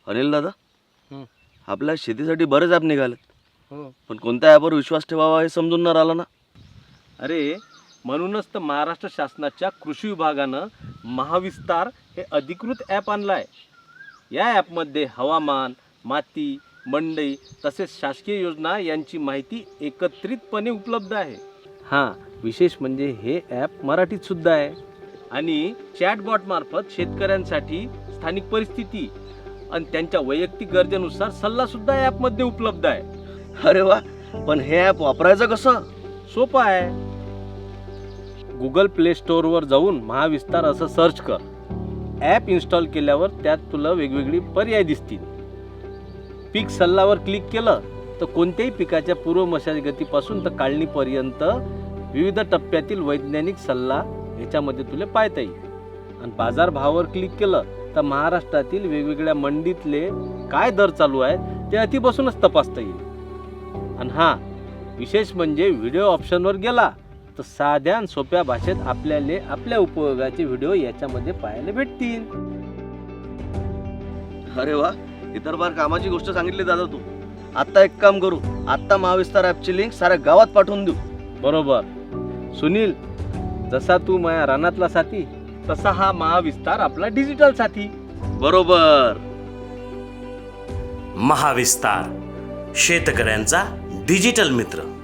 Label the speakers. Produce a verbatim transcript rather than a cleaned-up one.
Speaker 1: अनिल दादा,
Speaker 2: हं.
Speaker 1: आपल्या शेतीसाठी बरेच ॲप निघालेत,
Speaker 2: हो.
Speaker 1: पण कोणत्या ॲपवर विश्वास ठेवावा हे समजून न राहिलं ना.
Speaker 2: अरे म्हणूनच तर महाराष्ट्र शासनाच्या कृषी विभागानं महाविस्तार हे अधिकृत ॲप आणलं आहे. या ॲपमध्ये हवामान, माती, मंडई तसेच शासकीय योजना यांची माहिती एकत्रितपणे उपलब्ध आहे. हां, विशेष म्हणजे हे ॲप मराठीत सुद्धा आहे आणि चॅटबॉट मार्फत शेतकऱ्यांसाठी स्थानिक परिस्थिती आणि त्यांच्या वैयक्तिक गरजेनुसार सल्लासुद्धा ॲपमध्ये उपलब्ध आहे.
Speaker 1: अरे वा, पण हे ॲप वापरायचं कसं?
Speaker 2: सोपं आहे. गुगल प्ले स्टोअरवर जाऊन महाविस्तार असं सर्च कर. ॲप इन्स्टॉल केल्यावर त्यात तुला वेगवेगळी पर्याय दिसतील. पीक सल्लावर क्लिक केलं तर कोणत्याही पिकाच्या पूर्व मशागतीपासून तर काढणीपर्यंत विविध टप्प्यातील वैज्ञानिक सल्ला याच्यामध्ये तुला पाहता येईल. आणि बाजारभावावर क्लिक केलं तर महाराष्ट्रातील वेगवेगळ्या मंडीतले काय दर चालू आहे ते अति बसूनच तपासता येईल. आणि हां, विशेष म्हणजे व्हिडिओ ऑप्शनवर गेला तर साध्या आणि सोप्या भाषेत आपल्याला आपल्या उपयोगाचे व्हिडिओ याच्यामध्ये पाहायला भेटतील.
Speaker 1: अरे वा, इतर बार कामाची गोष्ट सांगितली दादा तू. आत्ता एक काम करू, आत्ता महाविस्तार ॲपची लिंक साऱ्या गावात पाठवून देऊ.
Speaker 2: बरोबर सुनील, जसा तू माझ्या रानातला साथी तसा हा महाविस्तार आपला डिजिटल साथी.
Speaker 1: बरोबर.
Speaker 3: महाविस्तार शेतकऱ्यांचा डिजिटल मित्र.